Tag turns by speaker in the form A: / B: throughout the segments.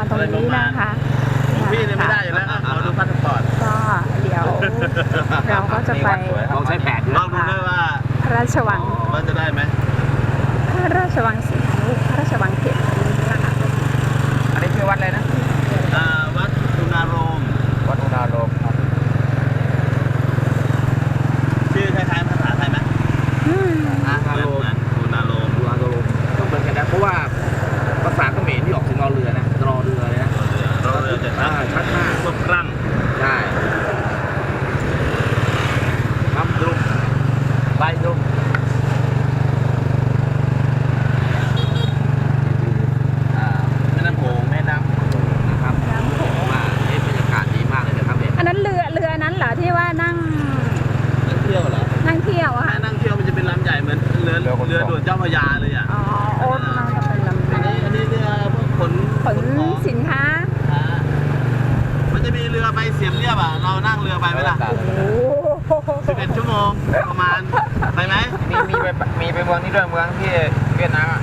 A: ตรงนี้นะคะ
B: พี่เนี่ยไม่ได้อยู่แล้วเราดูพาสปอร์ต
A: ก็เดี๋ยวเราก็จะไป
B: ลองใช้แผนลองดูด้วยว่า
A: พระราชวัง
B: ว่าจะได้ไหม
A: พระราชวังศรีหนุพระราชวังเขตนี้นะคะ
C: อันนี้คือวัดอะไรนะ
B: วัดอุณาโรม
C: วัดอุณาโรมครับ
B: ชื่อคล้ายๆภาษาไทยไหมอุณาโรมอุณาโรม
C: ก็เหมือนกันนะเพราะว่าภาษาเขมรที่ออกถึงรอเรือนะรอเรือเลยนะ
B: รอเรือจะ
C: ชัดมาก
B: พวกครั่ง
C: ใช่น้ำดุมใบดุม
B: แม่น้ำโขง
C: นะครับว่าบรรยากาศดีมากเลยนะครับเนี่ย
A: อันนั้นเรือนั้นเหรอที่ว่านั่ง
B: เที่ยวเหรอ
A: นั่งเที่ยวอะค่ะ
B: นั่งเที่ยวมันจะเป็นลำใหญ่เหมือนเรือด่วนเจ้าพระยาเลยอ่ะ
A: อ๋อโอ้น่าจะเป็นลำ
B: อันนี้เรือพวกขน
A: สินค้า
B: มันจะมีเรือไปเสียมเรียบอ่ะเรานั่งเรือไปไหมล่ะ11 ชั่วโมงประมาณไปไหม
C: มีไปเมืองนี้ด้วยเมืองที่เวียดนามอ่ะ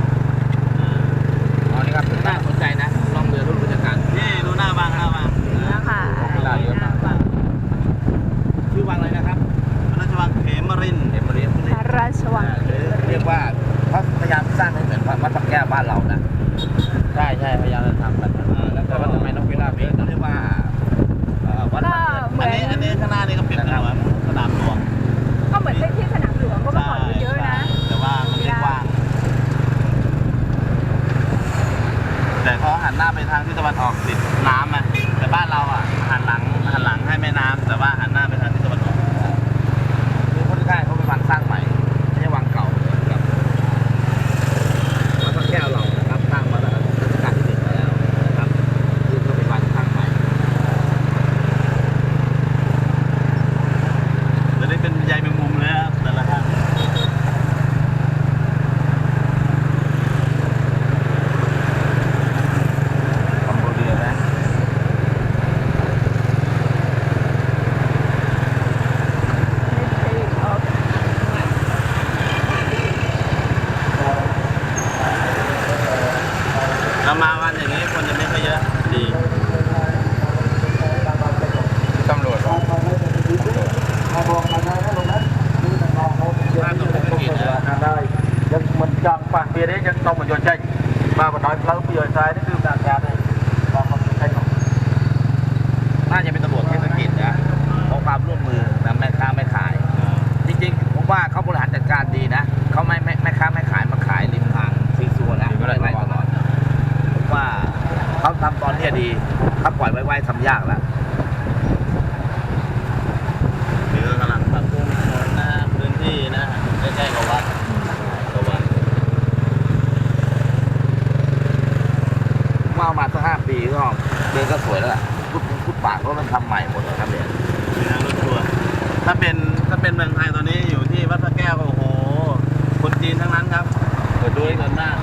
C: อ๋อนี่ครับน่าสนใจนะลองเรือรุ่นบรรยากาศ
B: นี่ดูหน้าบาง
A: นะคะ
C: เวลาเยอะมากชื่อวังอะไรนะครับ
B: พระราชวังเขมรินทร์
A: พระราชวัง
C: เรียกว่าเขาพยายามสร้างให้เหมือนวัดพระแก้วบ้านเรานะใช่พยายามจะทำกันแล้วก็ทำไมนกพิราบต้องเรียกว่าวัด
B: อันนี้ข้างหน้านี่ก็เปลี่ยนเป็นสนามหลวง
A: ก็เหมือนที่สนามหลวงก็เมื่อก่อนเยอะนะ
B: แต่ว่ามันไม่กว้างแต่เขาหันหน้าไปทางที่ตะวันออกติดน้ำอ่ะแต่บ้านเราอ่ะหันหลังให้แม่น้ำแต่ว่าหันหน้าไปทางที่ตะวันออก
C: คือคนที่ได้เขาเป็นวังสร้างใหม่ไม่ใช่วังเก่าครับวัดพระแก้วเรานะครับสร้างมาตั้งแต่รัชกาลที่ 1แล้วนะครับคือก็เป็นวังสร้างใหม่
B: จะได้เป็นใยแมงมุมเลยครับแต่ละท่านเรามาวันอย่างนี้คนจะไม่ค่อยเยอะดี
C: ตำรวจ
B: บ้านตรงนี้เป็นกิจ
C: ได้ยังมันจังป่ะเบียร์นี้ยังต้องมันโยนใจมาบนน้อยแล้วปีโยนใจนี่คือการงานเลยลองมาใช้ของน่าจะเป็นตำรวจเทศกิจนะขอความร่วมมือนะแม่ค้าไม่ขายจริงๆผมว่าเขาบริหารจัดการดีนะเขาไม่ค้าไม่ขายมาขายริมทางซีซัวนะไล่ตลอดผมว่าเขาทำตอนนี้ดีถ้าปล่อยไว้ทำยากแล้ว
B: หรือกำลังปรับปรุงนะพื้นที่นะใกล้ๆกับวัด
C: มาสัก5 ปีก็เดินก็สวยแล้วล่ะพุทธปากก็มันทำใหม่หมดนะครับเนี่ย
B: รถทัวร์ถ้าเป็นเมืองไทยตอนนี้อยู่ที่วัดพระแก้วโอ้โหคนจีนทั้งนั้นครับ
C: เปิดด้วยกันหน้า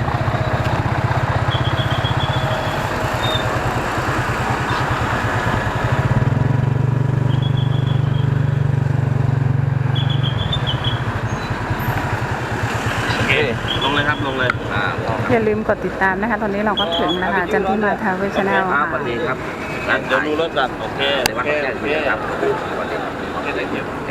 B: ลงเลยครับลงเลย
A: อย่าลืมกดติดตามนะคะตอนนี้เราก็ถึงนะคะจันทิมาทาวเวชแนลค่ะ
C: สวัสดีครับ
B: เดี๋ยวดูรถก่อนโอเค
C: ครับสวัสดีครับ